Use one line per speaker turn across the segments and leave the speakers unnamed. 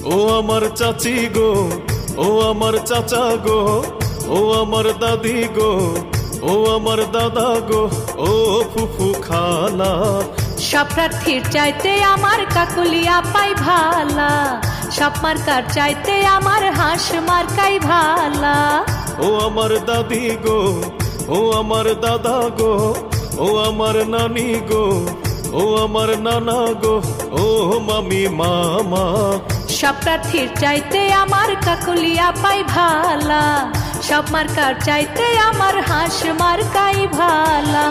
ও আমার চাচি গো, ও আমার চাচা গো, ও আমার দাদি গো, ও আমার দাদা গো, ও ফুফু খালা।
সব প্রার্থীর চাইতে আমার কাকুলি আপাই ভালা, সব মার্কার চাইতে আমার হাঁস মার্কাই ভালা।
ও আমার দাদি গো, ও আমার দাদা গো, ও আমার নানি গো, ও আমার নানা গো, ও মামি মামা।
সব প্রার্থীর চাইতে আমার কাকুলি আপাই ভালা, সব মার্কার চাইতে আমার হাঁস মার্কাই ভালা।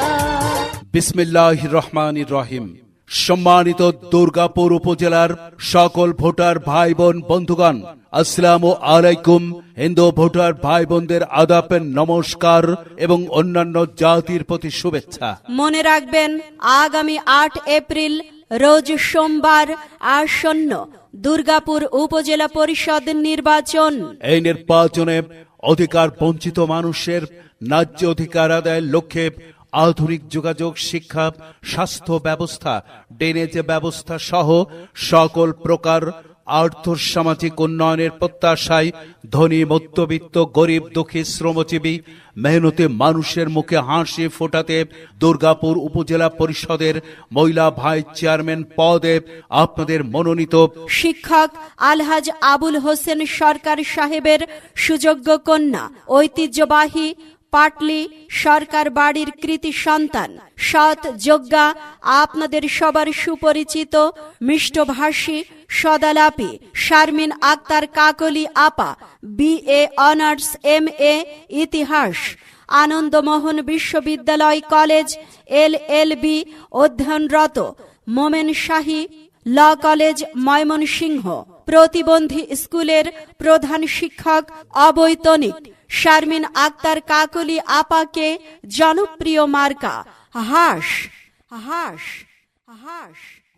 বিসমিল্লাহির রহমানির রহিম। সম্মানিত দুর্গাপুর উপজেলার সকল ভোটার ভাই বোন বন্ধুগণ, আসসালামু আলাইকুম। হিন্দু ভোটার ভাই বোনদের আদাব, নমস্কার এবং অন্যান্য জাতির প্রতি শুভেচ্ছা।
মনে রাখবেন, আগামী 8 এপ্রিল রোজ সোমবার আসন্ন দুর্গাপুর উপজেলা পরিষদ নির্বাচন।
এই নির্বাচনে অধিকার বঞ্চিত মানুষের ন্যায্য অধিকার আদায়ের লক্ষ্যে আধুনিক যোগাযোগ, শিক্ষা, স্বাস্থ্য ব্যবস্থা, ড্রেনেজ ব্যবস্থা সহ সকল প্রকার আর্থসামাজিক উন্নয়নের প্রত্যাশায় ধনী, মধ্যবিত্ত, গরিব, দুঃখী, শ্রমজীবী, মেহনতি মানুষের মুখে হাসি ফোটাতে দুর্গাপুর উপজেলা পরিষদের মহিলা ভাইস চেয়ারম্যান পদে আপনাদের মনোনীত
শিক্ষক আলহাজ আবুল হোসেন সরকার সাহেবের সুযোগ্য কন্যা, ঐতিহ্যবাহী পাটলি সরকার বাড়ির কৃতি সন্তান, সৎ, যোগ্যা, আপনাদের সবার সুপরিচিত মিষ্টভাষী, সদালাপি শারমিন আক্তার কাকলি আপা, BA অনার্স, MA ইতিহাস, আনন্দমোহন বিশ্ববিদ্যালয় কলেজ LLB অধ্যয়নরত, মোমেন শাহী ল কলেজ ময়মনসিংহ, প্রতিবন্ধী স্কুলের প্রধান শিক্ষক, অবৈতনিক শারমিন আক্তার কাকলি আপাকে জনপ্রিয় মার্কা হাঁস হাঁস হাঁস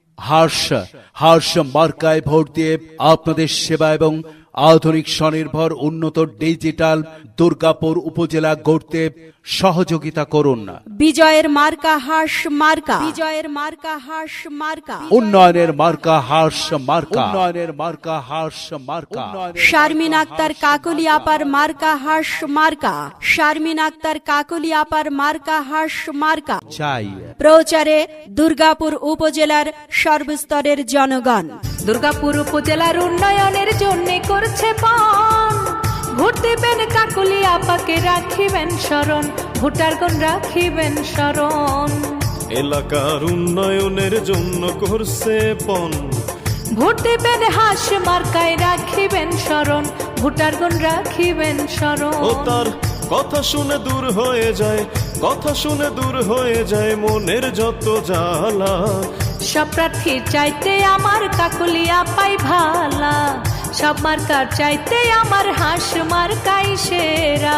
হাঁস মার্কায় ভোট দিয়ে আপনাদের সেবা এবং আধুনিক স্বনির্ভর উন্নত ডিজিটাল দুর্গাপুর উপজেলা গড়তে সহযোগিতা করুন।
বিজয়ের মার্কা হাঁস মার্কা, বিজয়ের মার্কা হাঁস মার্কা,
উন্নয়নের মার্কা হাঁস মার্কা, উন্নয়নের মার্কা হাঁস মার্কা।
শারমিন আক্তার কাকলি আপার মার্কা হাঁস মার্কা, শারমিন আক্তার কাকলি আপার মার্কা হাঁস মার্কা
চাই।
প্রচারে দুর্গাপুর উপজেলার সর্বস্তরের জনগণ।
দুর্গাপুর উপজেলার উন্নয়নের জন্য করছে পণ, ভোট দেবেন কাকুলি আপাকে, রাখিবেন স্মরণ, ভোটারগণ রাখিবেন স্মরণ।
এলাকার উন্নয়নের জন্য করছে পণ,
ভোট দেবেন হাঁস মার্কায়, রাখিবেন স্মরণ, ভোটারগণ রাখিবেন স্মরণ।
ও তার কথা শুনে দূর হয়ে যায়, কথা শুনে দূর হয়ে যায় মনের যত জ্বালা।
সব প্রার্থীর চাইতে আমার কাকুলি আপাই ভালা, সব মার্কার চাইতে আমার হাঁস মার্কাই সেরা।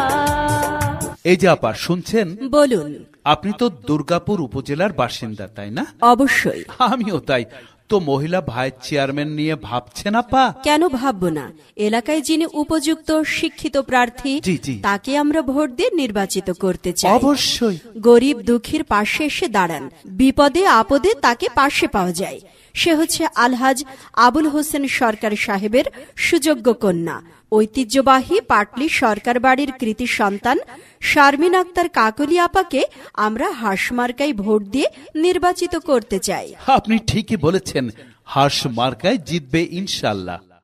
এই যে আপা শুনছেন,
বলুন।
আপনি তো দুর্গাপুর উপজেলার বাসিন্দা, তাই না?
অবশ্যই।
আমিও তাই। তো মহিলা ভাইস চেয়ারম্যান নিয়ে ভাবছেন আপা?
কেন ভাববো না? এলাকায় যিনি উপযুক্ত শিক্ষিত প্রার্থী,
জি, জি।
তাকে আমরা ভোট দিয়ে নির্বাচিত করতে চাই।
অবশ্যই।
গরিব দুঃখীর পাশে এসে দাঁড়ান, বিপদে আপদে তাকে পাশে পাওয়া যায়। সে হচ্ছে আলহাজ আবুল হোসেন সরকার সাহেবের সুযোগ্য কন্যা, ঐতিহ্যবাহী পাটলি সরকার বাড়ির কৃতি সন্তান শারমিন আক্তার কাকলি আপাকে আমরা হাঁস মার্কায় ভোট দিয়ে নির্বাচিত করতে চাই।
আপনি ঠিকই বলেছেন, হাঁস মার্কায় জিতবে ইনশাল্লাহ।